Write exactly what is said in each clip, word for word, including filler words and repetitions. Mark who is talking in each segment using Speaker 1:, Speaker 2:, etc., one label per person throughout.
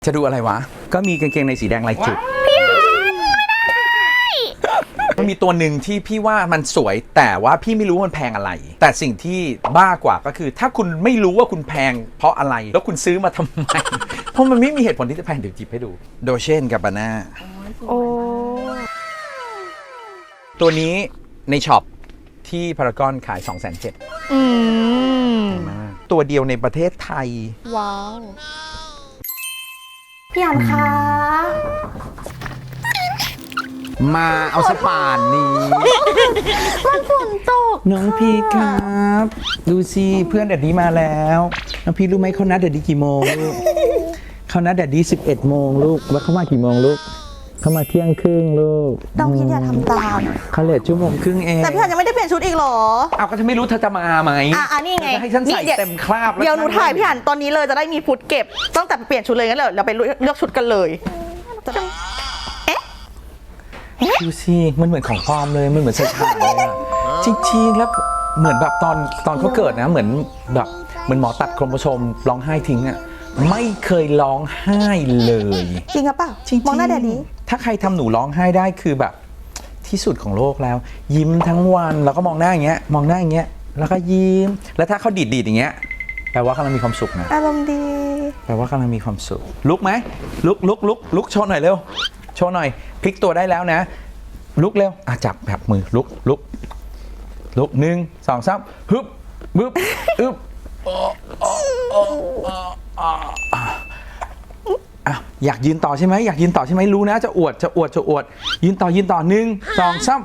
Speaker 1: จะดูอะไรวะก็มีกางเกงในสีแดงลายจุดมันมีตัวหนึ่งที่พี่ว่ามันสวยแต่ว่าพี่ไม่รู้มันแพงอะไรแต่สิ่งที่บ้ากว่าก็คือถ้าคุณไม่รู้ว่าคุณแพงเพราะอะไรแล้วคุณซื้อมาทำไมเพราะมันไม่มีเหตุผลที่จะแพงเดี๋ยวจิบให้ดูโดเชนกับบาน่าโอ้ตัวนี้ในช็อปที่พารากอนขาย สองแสนเจ็ดหมื่น มากตัวเดียวในประเทศไทย
Speaker 2: ว้าวพี่อันคะ
Speaker 1: มาเอาสป่านนี้
Speaker 2: มันฝนตก
Speaker 1: น้องพีครับดูสิเพื่อนแดดดี้มาแล้วน้องพีรู้ไหมเขานัดแดดดี้กี่โมงลูกเขานัดแดดดี้สิบเอ็ดโมงลูกว่าเขามากี่โมงลูกเขามาเที่ยงครึ่งลูก
Speaker 2: น้องพีอย่าทำตาม
Speaker 1: เขาเลทชั่วโมงครึ่งเอง
Speaker 2: แต่พี่อันยังไม่ได้เปลี่ยนชุดอีกหรอ
Speaker 1: เอาก็จะไม่รู้เธอจะมาไหม
Speaker 2: อ่ะอันนี้ไง
Speaker 1: ให้ฉันใส่เต็มคราบ
Speaker 2: เดี๋ยวหนูถ่ายพี่อันตอนนี้เลยจะได้มีฟุตเก็บตั้งแต่เปลี่ยนชุดเลยงั้นเราไปเลือกชุดกันเลย
Speaker 1: ดูสิมันเหมือนของปลอมเลยมันเหมือนใส่ฉากเลยอะจริงๆแล้วเหมือนแบบตอนตอนเขาเกิดนะเหมือนแบบเหมือนหมอตัดโครโมโซมร้องไห้ทิ้งอะไม่เคยร้องไห้เลย
Speaker 2: จริงหรือเปล่าๆมองหน้าแดดดี้
Speaker 1: ถ้าใครทำหนูร้องไห้ได้คือแบบที่สุดของโลกแล้วยิ้มทั้งวันแล้วก็มองหน้าอย่างเงี้ยมองหน้าอย่างเงี้ยแล้วก็ยิ้มแล้วถ้าเขาดีดดีดอย่างเงี้ยแปลว่ากำลังมีความสุขนะ
Speaker 2: อารมณ์ดี
Speaker 1: แปลว่ากำลังมีความสุขลุกไหมลุกลุกลุกลุกโชว์หน่อยเร็วโชว์หน่อยพลิกตัวได้แล้วนะลุกเร็วอ่ะจับแบบมือลุกลุกลุกหนึ่งสองสามฮึบบึ๊บอึบอ่ะอยากยืนต่อใช่ไหมอยากยืนต่อใช่ไหมรู้นะจะอวดจะอวดจะอวดยืนต่อยืนต่อหนึ่งสองสาม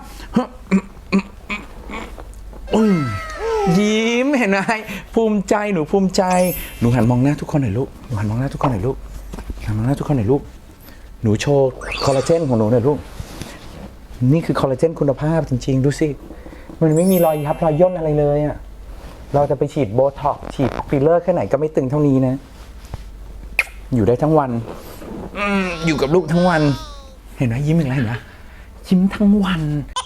Speaker 1: ยิ้มเห็นไหมภูมิใจหนูภูมิใจหนูหันมองหน้าทุกคนหน่อยลูกหนูหันมองหน้าทุกคนหน่อยลูกหันมองหน้าทุกคนหน่อยลูกหนูโชว์คอลลาเจนของหนูหน่อยลูกนี่คือคอลลาเจนคุณภาพจริงๆดูสิมันไม่มีรอยยับรอยย่นอะไรเลยอ่ะเราจะไปฉีดโบท็อกซ์ฉีดฟิลเลอร์แค่ไหนก็ไม่ตึงเท่านี้นะอยู่ได้ทั้งวันอยู่กับลูกทั้งวันเห็นไหมยิ้มอย่างไรเห็นไหมยิ้มทั้งวัน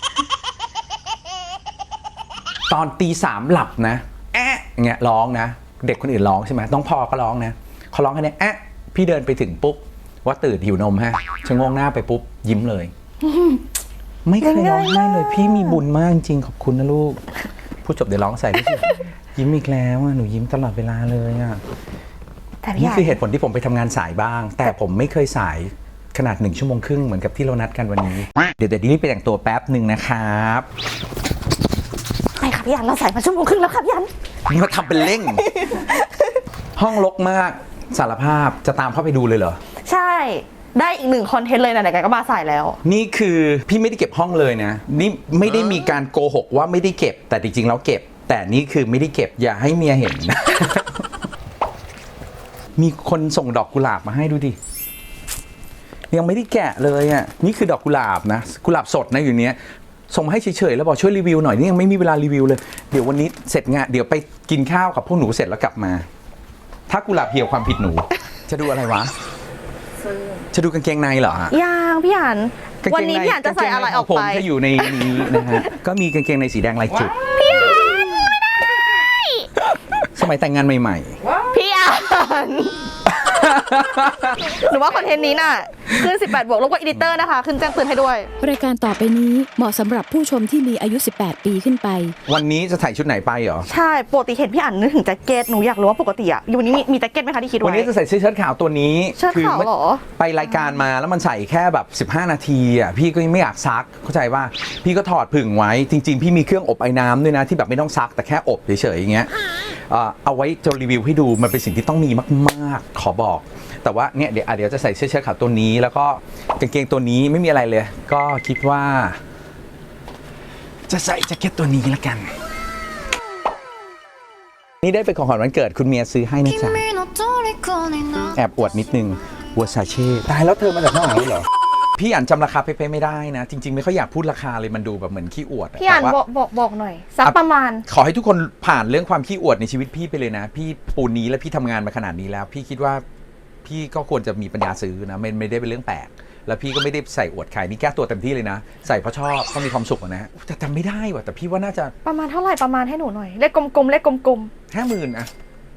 Speaker 1: ตอนตีสามหลับนะแอะเงี้ยร้องนะเด็กคนอื่นร้องใช่ไหมต้องพอก็ร้องนะเขาร้องแค่นี้แอะพี่เดินไปถึงปุ๊บว่าตื่นหิวนมฮะชะโงงหน้าไปปุ๊บยิ้มเลยไม่เคยร้องไห้เลยพี่มีบุญมากจริงขอบคุณนะลูกพูดจบเดี๋ยวร้องใส่ด้วยสิยิ้มอีกแล้วหนูยิ้มตลอดเวลาเลยอ่ะนี่คือเหตุผลที่ผมไปทำงานสายบ้างแต่ผมไม่เคยสายขนาดหนึ่งชั่วโมงครึ่งเหมือนกับที่เรานัดกันวันนี้เดี๋ยวเดี๋ยวรีบไปแต่งตัวแป๊บหนึ่งนะครับ
Speaker 2: ไปค่ะพี่อันเราใส่มาชั่วโมงครึ่งแล้วค่ะพี่อัน
Speaker 1: มาทำเป็นเล่งห้องรกมากสารภาพจะตามเข้าไปดูเลยเหรอ
Speaker 2: ใช่ได้อีกหนึ่งคอนเทนต์เลยนะไหนๆก็มาใส่แล้ว
Speaker 1: นี่คือพี่ไม่ได้เก็บห้องเลยนะนี่ไม่ได้มีการโกหกว่าไม่ได้เก็บแต่จริงๆแล้วเก็บแต่นี่คือไม่ได้เก็บอย่าให้เมียเห็นนะ มีคนส่งดอกกุหลาบมาให้ดูดิยังไม่ได้แกะเลยอ่ะนี่คือดอกกุหลาบนะกุหลาบสดนะอยู่เนี้ยส่งมาให้เฉยๆแล้วบอกช่วยรีวิวหน่อยนี่ยังไม่มีเวลารีวิวเลยเดี๋ยววันนี้เสร็จงานเดี๋ยวไปกินข้าวกับพวกหนูเสร็จแล้วกลับมาถ้ากุหลาบเหี่ยวความผิดหนูจะดูอะไรวะจะดูกางเกงในเหรอฮะ
Speaker 2: ยังพี่อันวันนี้พี่อันจะใส่อะไรออกไป
Speaker 1: ผมจะอยู่ในนี้นะฮะก็มีกางเกงในสีแดงลายจุด
Speaker 2: พี่อัน
Speaker 1: สมัยแต่งงานใหม่
Speaker 2: ๆพี่อันหนูว่าคอนเทนต์นี้น่ะขึ้นสิบแปดบวกลบกับอีดิเตอร์นะคะขึ้นแจ้งเตือนให้ด้วย
Speaker 3: รายการต่อไปนี้เหมาะสำหรับผู้ชมที่มีอายุสิบแปดปีขึ้นไป
Speaker 1: วันนี้จะใส่ชุดไหนไปเหรอ
Speaker 2: ใช่ปกติเห็นพี่อันนึกถึงแจ็คเก็ตหนูอยากรู้ว่าปกติอ่ะวันนี้มีมีแจ็คเก็ตไหมคะที่คิดไว้
Speaker 1: วันนี้จะใส่เสื้อเชิ้ตขาวตัวนี้
Speaker 2: เชิ้ตขาวเหรอ
Speaker 1: ไปรายการมาแล้วมันใส่แค่แบบสิบห้านาทีอ่ะพี่ก็ไม่อยากซักเข้าใจว่าพี่ก็ถอดผึ่งไว้จริงๆพี่มีเครื่องอบไอ้น้ำด้วยนะที่แบบไม่ต้องซักแต่แค่อบเฉยๆอย่างเงี้ยเอาไว้จะรีวิวให้ดูมันเป็นสิ่งที่ต้องมีมากๆขอบอกแต่ว่าเนี่ยเดี๋ยวเดี๋ยวจะใส่เสื้อเชิ้ตขาวตัวนี้แล้วก็กางเกงตัวนี้ไม่มีอะไรเลยก็คิดว่าจะใส่แจ็คเก็ตตัวนี้ละกันนี่ได้เป็นของขวัญวันเกิดคุณเมียซื้อให้นะจ๊ะแอบอวดนิดนึงวอซาเช่ตายแล้วเธอมาจากข้างหลังเหรอพี่อ่านจำราคาเป๊ะๆไม่ได้นะจริงๆไม่ค่อยอยากพูดราคาเลยมันดูแบบเหมือนขี้อวด
Speaker 2: พี่อ่านบอกบอกบอกหน่อยสักประมาณ
Speaker 1: ขอให้ทุกคนผ่านเรื่องความขี้อวดในชีวิตพี่ไปเลยนะพี่ปูนนี้และพี่ทำงานมาขนาดนี้แล้วพี่คิดว่าพี่ก็ควรจะมีปัญญาซื้อนะไม่ไม่ได้เป็นเรื่องแปลกแล้วพี่ก็ไม่ได้ใส่อวดใครนี่แก้ตัวเต็มที่เลยนะใส่เพราะชอบก็มีความสุขนะแต่จำไม่ได้ว่ะแต่พี่ว่าน่าจะ
Speaker 2: ประมาณเท่าไหร่ประมาณให้หนูหน่อยเลขกลมๆเลขกลม
Speaker 1: ๆห้าหมื่นอะ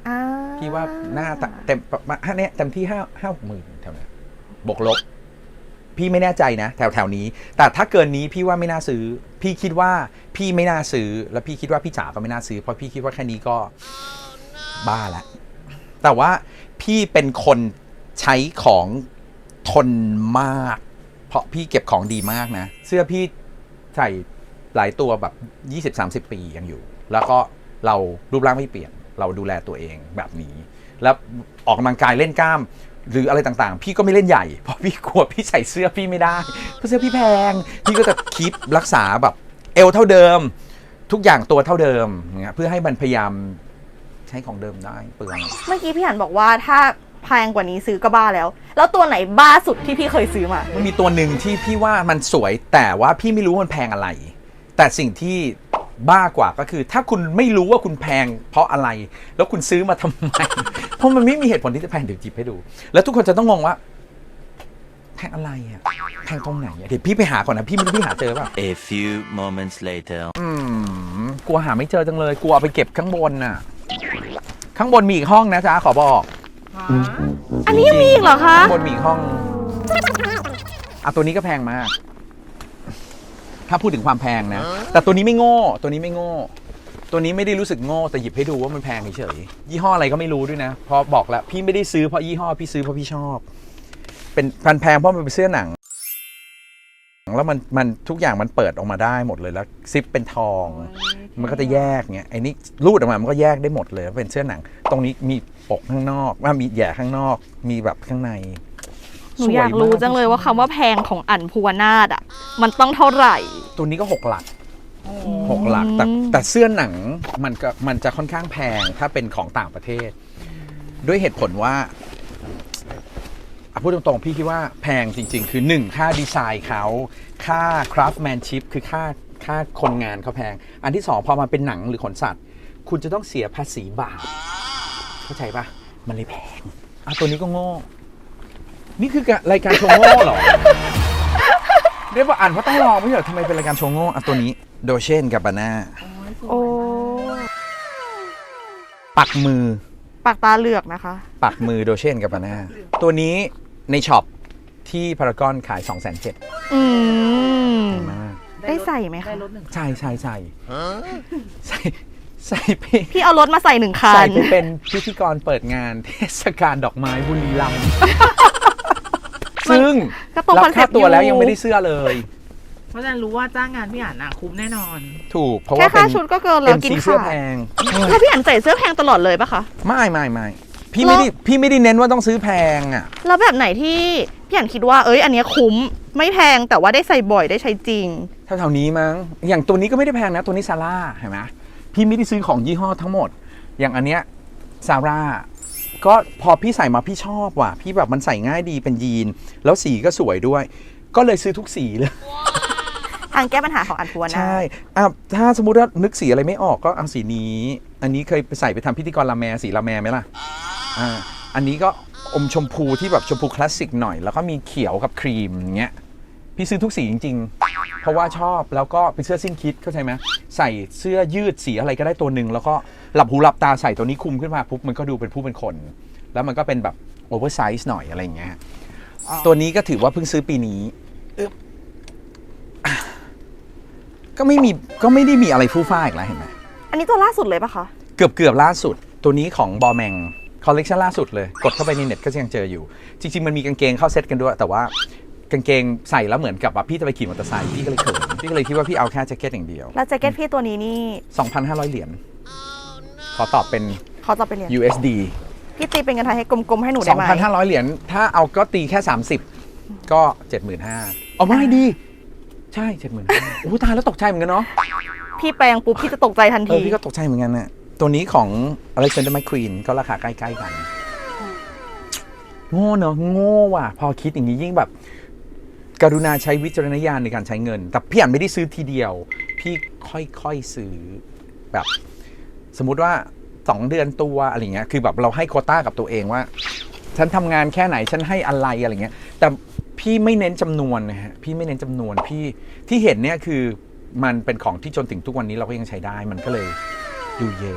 Speaker 2: อ่า
Speaker 1: พี่ว่าหน้าเต็มประมาณเนี้ยเต็มที่ห้าห้าหกหมื่นแถวเนี้ยบวกลบ พี่ไม่แน่ใจนะ แถวแถวนี้ แต่ถ้าเกินนี้พี่ว่าไม่น่าซื้อ พี่คิดว่าพี่ไม่น่าซื้อ แล้วพี่คิดว่าพี่จ๋าก็ไม่น่าซื้อ เพราะพี่คิดว่าแค่นี้ก็บ้าแล้วแต่ว่าพี่เป็นคนใช้ของทนมาก เพราะพี่เก็บของดีมากนะ เสื้อพี่ใส่หลายตัวแบบ ยี่สิบสามสิบ ปียังอยู่ แล้วก็เรารูปร่างไม่เปลี่ยน เราดูแลตัวเองแบบนี้ แล้วออกกำลังกายเล่นกล้าม หรืออะไรต่างๆ พี่ก็ไม่เล่นใหญ่ เพราะพี่กลัวพี่ใส่เสื้อพี่ไม่ได้ เพราะเสื้อพี่แพง พี่ก็จะคีปรักษาแบบเอวเท่าเดิม ทุกอย่างตัวเท่าเดิมเงี้ยเพื่อให้มันพยายามใช้ของเดิมได้เปลือง
Speaker 2: เมื่อกี้พี่หันบอกว่าถ้าแพงกว่านี้ซื้อก็บ้าแล้ว แล้วตัวไหนบ้าสุดที่พี่เคยซื้อมา
Speaker 1: มันมีตัวหนึ่งที่พี่ว่ามันสวยแต่ว่าพี่ไม่รู้มันแพงอะไร แต่สิ่งที่บ้ากว่าก็คือ ถ้าคุณไม่รู้ว่าคุณแพงเพราะอะไร แล้วคุณซื้อมาทำไม เพราะมันไม่มีเหตุผลที่จะแพงเดี๋ยวจิบให้ดู แล้วทุกคนจะต้องงงว่าแพงอะไรอ่ะแพงตรงไหนอะเดี๋ยวพี่ไปหาก่อนนะพี่ไม่รู้พี่หาเจอเปล่า
Speaker 4: A few moments later.
Speaker 1: อืมกลัวหาไม่เจอจังเลยกลัวเอาไปเก็บข้างบนน่ะ ข้างบนมีอีกห้องนะจ๊ะขอบอก
Speaker 2: อันนี้ยังมีอีกเหรอคะ
Speaker 1: ข้างบนมีอีกห้องอ่ะตัวนี้ก็แพงมาก ถ้าพูดถึงความแพงนะ แต่ตัวนี้ไม่โง่ ตัวนี้ไม่โง่ ตัวนี้ไม่ได้รู้สึกโง่แต่หยิบให้ดูว่ามันแพงเฉยๆยี่ห้ออะไรก็ไม่รู้ด้วยนะเพราะบอกแล้วพี่ไม่ได้ซื้อเพราะยี่ห้อพี่ซื้อเพราะพี่ชอบ เป็นพันแพงเพราะมันเป็นเสื้อหนังแล้วมันมันทุกอย่างมันเปิดออกมาได้หมดเลยแล้วซิปเป็นทอง มันก็จะแยกเงี้ยไอ้นี่รูดออกมามันก็แยกได้หมดเลยเป็นเสื้อหนัง ตรงนี้มีปกข้างนอกว่ามีแย่ข้างนอกมีแบบข้างใน
Speaker 2: หนูอยากรู้จังเลยว่าคำว่าแพงของอั๋นภูวนาถอ่ะมันต้องเท่าไหร่
Speaker 1: ตัวนี้ก็หกหลักหกหลักแต่แต่เสื้อหนังมันก็มันจะค่อนข้างแพงถ้าเป็นของต่างประเทศ ด้วยเหตุผลว่าอ่ะพูดตรงๆพี่คิดว่าแพงจริงๆ คือหนึ่งค่าดีไซน์เขาค่า craftsmanship คือค่าค่าคนงานเขาแพง อันที่สองพอมาเป็นหนังหรือขนสัตว์ คุณจะต้องเสียภาษีบาปเข้าใจปะมันเลยแพงอ่ะตัวนี้ก็โง่ นี่คือรายการโชว์โง่เหรอ เรียกว่าอ่านเพราะต้องลองไม่ใช่เหรอทำไมเป็นรายการโชว์โง่อ่ะตัวนี้โดเชนกับบาน่า
Speaker 2: โอ้
Speaker 1: ปักมือ
Speaker 2: ปากตาเหลือกนะคะ
Speaker 1: ปักมือโดเชนกับบาน่าตัวนี้ในช็อปที่พารากอนขาย สองแสนเจ็ด
Speaker 2: อืม
Speaker 1: มาก
Speaker 2: ได้ใส่ไหมคะ
Speaker 1: ใช่ใช่ใช่ใส่ใส่ไป
Speaker 2: พี่เอารถมาใส่หนึ่งคั
Speaker 1: ใส่
Speaker 2: น
Speaker 1: ไปเป็นพิธีกรเปิดงานเทศกาลดอกไม้บุรีรัมย์ซึ่ง
Speaker 2: ก็ตรง
Speaker 1: รั
Speaker 2: คอนเซ็
Speaker 1: ค่า
Speaker 2: ปต์
Speaker 1: ตัว
Speaker 2: อยู่
Speaker 1: แล้วยังไม่ได้เสื้อเลย
Speaker 5: เพราะฉะนั้นรู้ว่าจ้างงานพี่อ่านอ่ะคุ้มแน่นอน
Speaker 1: ถูกเพราะ
Speaker 2: แค่
Speaker 1: ว่าเป็
Speaker 2: ค่าน ชุดก็เกินแล้วกิน
Speaker 1: เอ็มซีเสื้อ
Speaker 2: ขา
Speaker 1: แพ
Speaker 2: ด
Speaker 1: ง
Speaker 2: แล้วพี่อั๋นใส่เสื้อแพงตลอดเลยปะคะ
Speaker 1: ไม่ไม่ไม่พี่ไม่ได้พี่ไม่ได้เน้นว่าต้องซื้อแพงอ่ะ
Speaker 2: แล้วแบบไหนที่พี่อั๋นคิดว่าเอ้ยอันเนี้ยคุ้มไม่แพงแต่ว่าได้ใส่บ่อยได้ใช้จริง
Speaker 1: เท่าๆนี้มั้งอย่างตัวนี้ก็ไม่ได้แพงนะตัวนี้ซาร่าเห็นไหมพี่ไม่ได้ซื้อของยี่ห้อทั้งหมด อย่างอันเนี้ยซาร่าก็พอพี่ใส่มาพี่ชอบว่ะพี่แบบมันใส่ง่ายดีเป็นยีนแล้วสีก็สวยด้วย ก็เลยซื้อทุกสีเลย
Speaker 2: ทางแก้ปัญหาของอั๋นภูวนาถ
Speaker 1: ใช่อ่ะถ้าสมมุติว่านึกสีอะไรไม่ออกก็เอาสีนี้ อันนี้เคยไปใส่ไปทำพิธีกรลาแมสีลาแมไหมล่ะอ่าอันนี้ก็อมชมพูที่แบบชมพูคลาสสิกหน่อยแล้วก็มีเขียวกับครีมอย่างเงี้ยพี่ซื้อทุกสีจริงๆ เพราะว่าชอบแล้วก็เป็นเสื้อสิ้นคิดเข้าใจไหมใส่เสื้อยืดสีอะไรก็ได้ตัวหนึ่งแล้วก็หลับหูหลับตาใส่ตัวนี้คุมขึ้นมาปุ๊บมันก็ดูเป็นผู้เป็นคน แล้วมันก็เป็นแบบโอเวอร์ไซส์หน่อยอะไรอย่างเงี้ยตัวนี้ก็ถือว่าเพิ่งซื้อปีนี้อึ๊บก็ไม่มีก็ไม่ได้มีอะไรฟู่ฟ้าอีกแล้วเห็นไหม
Speaker 2: อันนี้ตัวล่าสุดเลยปะคะ
Speaker 1: เกือบเกือบล่าสุดตัวนี้ของบอแมงคอลเลกชันล่าสุดเลยกดเข้าไปในเน็ตก็ยังเจออยู่ จริงๆ มันมีกางเกงเข้าเซ็ตกันด้วย แต่ว่ากางเกงใส่แล้วเหมือนกับว่าพี่จะไปขี่มอเตอร์ไซค์พี่ก็เลยเขินพี่ก็เลยคิดว่าพี่เอาแค่แจ็คเก็ตอย่างเดียว
Speaker 2: แล้วแจ็คเก็ตพี่ตัวนี้นี่
Speaker 1: สองพันห้าร้อย เหรียญขอตอบเป็น
Speaker 2: เขาจะไปเรียน
Speaker 1: ยู เอส ดี
Speaker 2: พี่ตีเป็นเงินไทยให้กลมๆให้หนูได้ไหม
Speaker 1: สองพันห้าร้อย เหรียญถ้าเอาก็ตีแค่สามสิบก็ เจ็ดหมื่นห้าพัน เอาไม่ดีใช่ เจ็ดหมื่นห้าพัน โอ้ตายแล้วตกใจเหมือนกันเนาะ
Speaker 2: พี่แปลงปุ๊บพี่จะตกใจทัน
Speaker 1: เอ
Speaker 2: ที
Speaker 1: อพี่ก็ตกใจเหมือนกันน่ะตัวนี้ของ Alexander McQueen ก็ราคาใกล้ๆกัน โง่เนอะโง่ว่ะ พอคิดอย่างนี้ยิ่งแบบ กรุณาใช้วิจารณญาณในการใช้เงิน แต่พี่อ่านไม่ได้ซื้อทีเดียว พี่ค่อยๆซื้อแบบ สมมุติว่าสองเดือนตัวอะไรเงี้ยคือแบบเราให้โควต้ากับตัวเองว่า ฉันทำงานแค่ไหนฉันให้อะไรอะไรเงี้ยแต่พี่ไม่เน้นจำนวนนะฮะพี่ไม่เน้นจำนวนพี่ที่เห็นเนี่ยคือมันเป็นของที่จนถึงทุกวันนี้เราก็ยังใช้ได้มันก็เลยดูเยอะ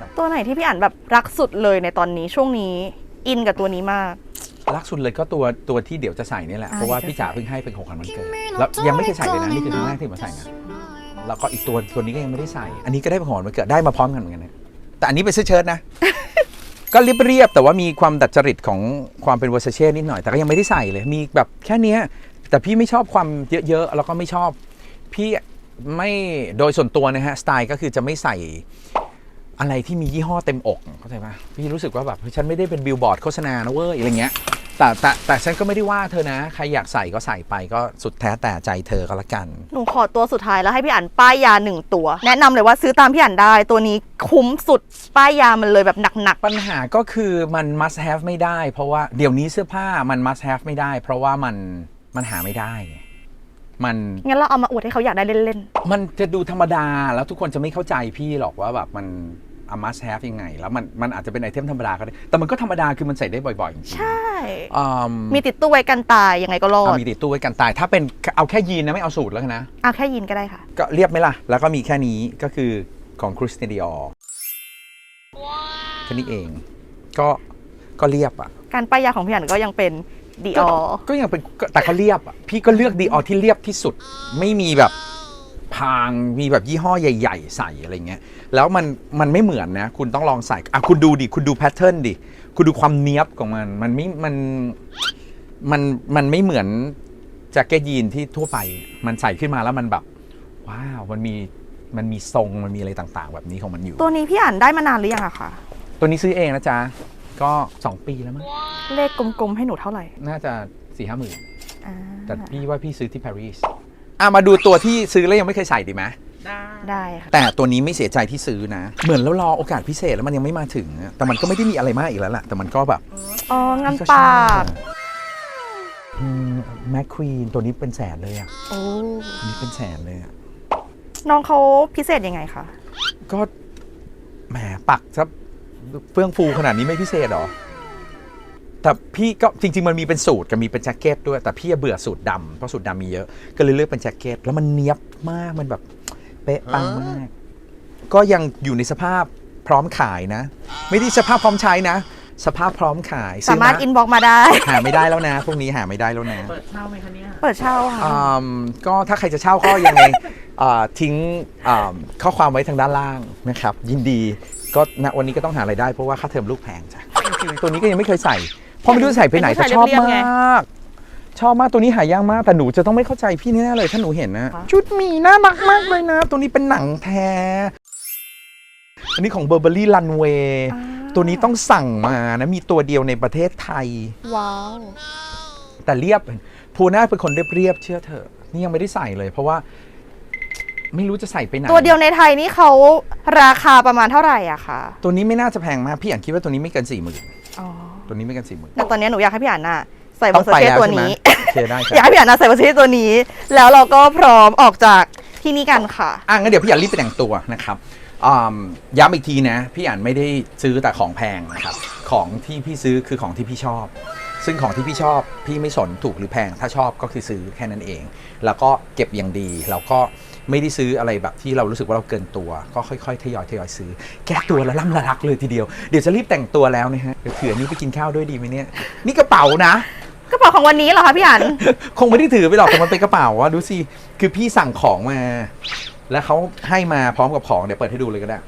Speaker 2: ตัวไหนที่พี่อ่านแบบรักสุดเลยในตอนนี้ช่วงนี้อินกับตัวนี้มาก
Speaker 1: รักสุดเลยก็ตัวตัวที่เดี๋ยวจะใส่นี่แหละ
Speaker 2: อ่า
Speaker 1: เพราะว่า
Speaker 2: เดี๋ยว
Speaker 1: พี่จ๋าเพิ่งให้เป็นของขวัญวันเกิดแล้วยังไม่เคยใส่เลยนะนี่คือครั้งแรกที่มาใส่นะแล้วก็อีกตัวตัวนี้ก็ยังไม่ได้ใส่ อันนี้ก็ได้เป็นของขวัญวันเกิดได้มาพร้อมกันเหมือนกันนะแต่อันนี้เป็นเสื้อเชิ้ตนะ ก็เรียบๆแต่ว่ามีความดัดจริตของความเป็นเวอร์ซาเช่นิดหน่อยแต่ก็ยังไม่ได้ใส่เลยมีแบบแค่เนี้ยแต่พี่ไม่ชอบความเยอะๆแล้วก็ไม่ชอบพี่ไม่โดยส่วนตัวนะฮะสไตล์ก็คือจะไม่ใส่อะไรที่มียี่ห้อเต็มอกเข้าใจปะพี่รู้สึกว่าแบบฉันไม่ได้เป็นบิลบอร์ดโฆษณานะเว้ยอะไรเงี้ยแต่แต่แต่ฉันก็ไม่ได้ว่าเธอนะใครอยากใส่ก็ใส่ไปก็สุดแท้แต่ใจเธอก็แล้วกัน
Speaker 2: หนูขอตัวสุดท้ายแล้วให้พี่อ่านป้ายยาหนึ่งตัว แนะนำเลยว่าซื้อตามพี่อ่านได้ตัวนี้คุ้มสุดป้ายยามันเลยแบบหนัก
Speaker 1: ปัญหาก็คือมัน must have ไม่ได้ เพราะว่าเดี๋ยวนี้เสื้อผ้ามัน must have ไม่ได้ เพราะว่ามันมันหาไม่ได้ไงมัน
Speaker 2: ๆงั้นเราเอามาอวดให้เขาอยากได้เล่น
Speaker 1: มันจะดูธรรมดาแล้วทุกคนจะไม่เข้าใจพี่หรอกว่าแบบมัน a must have ยังไง แล้วมันมันอาจจะเป็นไอเทมธรรมดาก็ได้แต่มันก็ธรรมดาคือมันใส่ได้บ่อยๆจริง
Speaker 2: ๆ ใช่
Speaker 1: ๆอืม
Speaker 2: มีติดตู้ไว้กันตายยังไงก็รอด
Speaker 1: เอามีติดตู้ไว้กันตาย ถ้าเป็นเอาแค่ยีนนะไม่เอาสูตรแล้วกันนะ
Speaker 2: เอาแค่ยินก็ได้ค่ะ
Speaker 1: ก็เรียบไหมล่ะ แล้วก็มีแค่นี้ก็คือของคริสเตียนดิออร์แค่นี้เองก็ก็เรียบอ่ะ
Speaker 2: การป้ายยาของพี่อ่านก็ยังเป็นดีออ
Speaker 1: ก็ยังเป็นก็แต่เขาเรียบอ่ะพี่ก็เลือกดีออที่เรียบที่สุดไม่มีแบบพางมีแบบยี่ห้อใหญ่ๆใส่อะไรเงี้ยแล้วมันมันไม่เหมือนนะคุณต้องลองใส่อ่ะคุณดูดิคุณดูแพทเทิร์นดิคุณดูความเนี้ยบของมันมันไม่มันมันมันไม่เหมือนแจ็คเก็ตยีนที่ทั่วไปมันใส่ขึ้นมาแล้วมันแบบว้าวมันมีมันมีทรงมันมีอะไรต่างๆ แบบนี้ของมันอยู่
Speaker 2: ตัวนี้พี่อ่านได้มานานหรือยังอะคะ
Speaker 1: ตัวนี้ซื้อเองนะจ๊ะก็สองปีแล้วมั้ง
Speaker 2: เลขกลมๆให้หนูเท่าไหร่
Speaker 1: น่าจะสี่ห้าหมื่น
Speaker 2: อ่า
Speaker 1: แต่พี่ว่าพี่ซื้อที่ปารีสอ่ะมาดูตัวที่ซื้อแล้วยังไม่เคยใส่ดีไหม
Speaker 5: ได้
Speaker 2: ได้ค่ะ
Speaker 1: แต่ตัวนี้ไม่เสียใจที่ซื้อนะ เหมือนแล้วรอโอกาสพิเศษแล้วมันยังไม่มาถึงอะแต่มันก็ไม่ได้มีอะไรมากอีกแล้วแหละแต่มันก็แบบ
Speaker 2: อ๋องาน
Speaker 1: พี่
Speaker 2: ปาก
Speaker 1: แมคควีนตัวนี้เป็นแสนเลยอ่ะ
Speaker 2: โอ้
Speaker 1: ตัวนี้เป็นแสนเลยอ่ะ
Speaker 2: น้องเขาพิเศษยังไงคะ
Speaker 1: ก็แหมปักซับเฟื่องฟูขนาดนี้ไม่พิเศษหรอแต่พี่ก็จริงๆมันมีเป็นสูทกับมีเป็นแจ็คเก็ตด้วยแต่พี่เบื่อสูทดำเพราะสูทดำมีเยอะก็เลยเลือกเป็นแจ็คเก็ตแล้วมันเนี้ยบมากมันแบบเป๊ะปังมาก ก็ยังอยู่ในสภาพพร้อมขายนะ ไม่ได้สภาพพร้อมใช้นะ สภาพพร้อมขาย
Speaker 2: สามารถ
Speaker 1: ซื้
Speaker 2: อินบ็อกมาได้
Speaker 1: หาไม่ได้แล้วนะพวกนี้หาไม่ได้แล้วนะ
Speaker 5: เปิดเช่าไหมคะเนี่ย
Speaker 2: เปิดเช่าค่ะ
Speaker 1: อืมก็ถ้าใครจะเช่าก็ยังไง อ่าทิ้งอ่าข้อความไว้ทางด้านล่างนะครับ ยินดีก็ณวันนี้ก็ต้องหาไรายได้เพราะว่าค่าเทอมลูกแพงจ้ะจริงๆตัวนี้ก็ยังไม่เคยใส่เพราะไม่รู้จะใส่ไปไหนแต่ชอบมาก ชอบมากตัวนี้หายากมากแต่หนูจะต้องไม่เข้าใจพี่แน่ๆเลยถ้าหนูเห็นนะชุดหมีน่ารักมากเลยนะ ตัวนี้เป็นหนังแท้อันนี้ของ Burberry Runway ตัวนี้ต้องสั่งมานะมีตัวเดียวในประเทศไทย
Speaker 2: ว้าว
Speaker 1: แต่เรียบภูน่าเป็นคนเรียบๆเชื่อเถอะนี่ยังไม่ได้ใส่เลย เพราะว่าไม่รู้จะใส่ไปไหน
Speaker 2: ตัวเดียวในไทยนี่เขาราคาประมาณเท่าไหร่อะคะ
Speaker 1: ตัวนี้ไม่น่าจะแพงมากพี่อ่านคิดว่าตัวนี้ไม่เกินสี่หมื่น
Speaker 2: อ๋อ
Speaker 1: ตัวนี้ไม่เกินสี่หมื่น
Speaker 2: แต่ตอนนี้หนูอยากให้พี่อ่านน่ะใส่เว
Speaker 1: ต้
Speaker 2: อ
Speaker 1: อง
Speaker 2: ร์ซา
Speaker 1: ไป
Speaker 2: เช่
Speaker 1: แล้ว
Speaker 2: ตัว
Speaker 1: ใช่ไหม
Speaker 2: นี้
Speaker 1: โอเคได้
Speaker 2: อยาก
Speaker 1: ค่ะ
Speaker 2: ให้พี่อ่านน่ะใส่เวอร์ซาเช่ตัวนี้ แล้วเราก็พร้อมออกจากที่นี่กันค่ะ
Speaker 1: อ่ะงั้นเดี๋ยวพี่อ่านรีบไปแต่งตัวนะครับอืมย้ำอีกทีนะพี่อ่านไม่ได้ซื้อแต่ของแพงนะครับของที่พี่ซื้อคือของที่พี่ชอบ ซึ่งของที่พี่ชอบพี่ไม่สนถูกหรือแพงถ้าชอบก็คือซื้อแค่นั้นเอง แล้วก็เก็บอย่างดีแล้วก็ไม่ได้ซื้ออะไรแบบที่เรารู้สึกว่าเราเกินตัว ก็ค่อยๆทยอยทยอยซื้อแก้ตัวละล่ำละลักเลยทีเดียวเดี๋ยวจะรีบแต่งตัวแล้วนะฮะเดี๋ยวเผื่อนี้ไปกินข้าวด้วยดีไหมเนี่ยนี่กระเป๋านะ
Speaker 2: กระเป๋าของวันนี้เหรอคะพี่อ่าน
Speaker 1: คงไม่ได้ถือไปหรอกแต่มันเป็นกระเป๋าว่าดูสิคือพี่สั่งของมา แล้วเขาให้มาพร้อมกับของเดี๋ยวเปิดให้ดูเลยก็ได้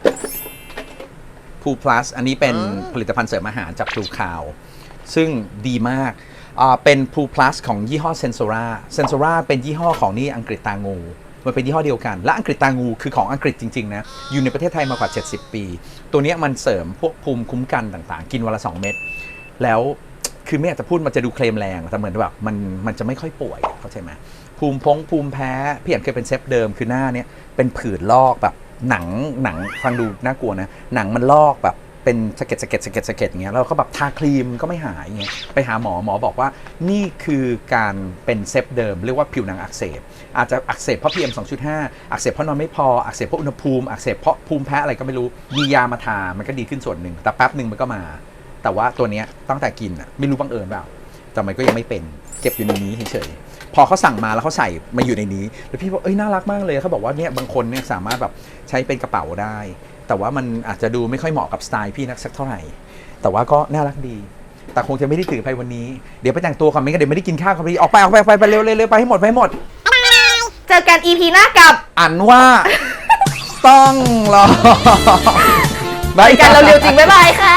Speaker 1: Poo Plus อันนี้เป็นผลิตภัณฑ์เสริมอาหารจาก Blue Cow ซึ่งดีมากอ่าเป็น Poo Plus ของยี่ห้อ Sensora Sensora เป็นยี่ห้อของนี่อังกฤษตางูมันเป็นยี่ห้อเดียวกันและอังกฤษตางูคือของอังกฤษจริงๆนะอยู่ในประเทศไทยมากว่าเจ็ดสิบปีตัวนี้มันเสริมพวกภูมิคุ้มกันต่างๆ กินวันละสองเม็ดแล้วคือไม่อยากจะพูดมันจะดูเคลมแรงแต่เหมือนแบบมันมันจะไม่ค่อยป่วยเข้าใจไหมภูมิพงภูมิแพ้พี่เห็นเคยเป็นเซฟเดิมคือหน้าเนี้ยเป็นผื่นลอกแบบหนังหนังฟังดูน่ากลัวนะหนังมันลอกแบบเป็นสะเก็ดสะเก็ดสะเก็ดสะเก็ดอย่างเงี้ยแล้วก็แบบทาครีมก็ไม่หายเงี้ยไปหาหมอหมอบอกว่านี่คือการเป็นเซฟเดิมเรียกว่าผิวหนังอักเสบอาจจะอักเสบเพราะ พี เอ็ม สองจุดห้า อักเสบเพราะนอนไม่พออักเสบเพราะอุณหภูมิอักเสบเพราะภูมิแพ้อะไรก็ไม่รู้มียามาทามันก็ดีขึ้นส่วนหนึ่งแต่แป๊บหนึ่งมันก็มาแต่ว่าตัวเนี้ยตั้งแต่กินอ่ะไม่รู้บังเอิญเปล่าแต่มันก็ยังไม่เป็นเก็บอยู่ในนี้เฉยๆพอเขาสั่งมาแล้วเขาใส่มาอยู่ในนี้แล้วพี่บอกเอ้ยน่ารักมากเลยเขาบอกว่าเนี่ยบางคนเนี่ยสามารถแบบใช้เป็นกระเป๋าได้แต่ว่ามันอาจจะดูไม่ค่อยเหมาะกับสไตล์พี่นักสักเท่าไหร่ แต่ว่าก็น่ารักดี แต่คงจะไม่ได้ถือไปวันนี้เดี๋ยวไปแต่งตัวก่อนไม่งั้นเดี๋ยวไม่ได้กินข้าวครับพี่ออกไปออกไปออกไปไปเร็วเร็วเร็วไปให้หมดไปให้หมด
Speaker 2: เจอกัน อี พี หน้ากับ
Speaker 1: อันว่า ต้องรอ
Speaker 2: ไปกันเราเร็วจริงบ๊ายบายค่ะ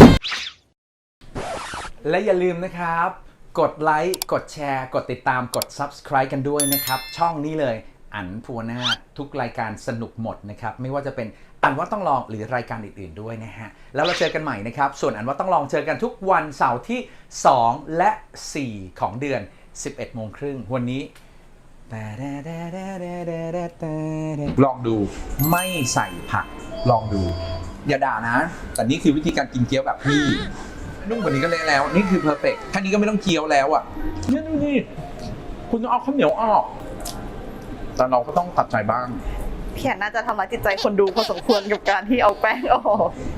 Speaker 1: และอย่าลืมนะครับ กดไลค์ กดแชร์ กดติดตาม กด Subscribe กันด้วยนะครับ ช่องนี้เลย อันภูวนาถทุกรายการสนุกหมดนะครับ ไม่ว่าจะเป็นอันว่าต้องลองหรือรายการอื่นๆด้วยนะฮะ แล้วเราเจอกันใหม่นะครับ ส่วนอันว่าต้องลองเจอกันทุกวันเสาร์ที่ สอง และ สี่ ของเดือน สิบเอ็ดโมงครึ่งวันนี้ ลองดูไม่ใส่ผักลองดู อย่าด่านะ แต่นี่คือวิธีการกินเกี๊ยวแบบพี่ นุ่มกว่านี้ก็เละแล้ว นี่คือเพอร์เฟกต์แค่นี้ก็ไม่ต้องเคี้ยวแล้วอ่ะเนี่ยดูนี่คุณต้องเอาข้าวเหนียวออก แต่เราก็ต้องตัดใจบ้าง
Speaker 2: พี่อันน่าจะทำร้ายจิตใจคนดูพอสมควรกับการที่เอาแป้งออก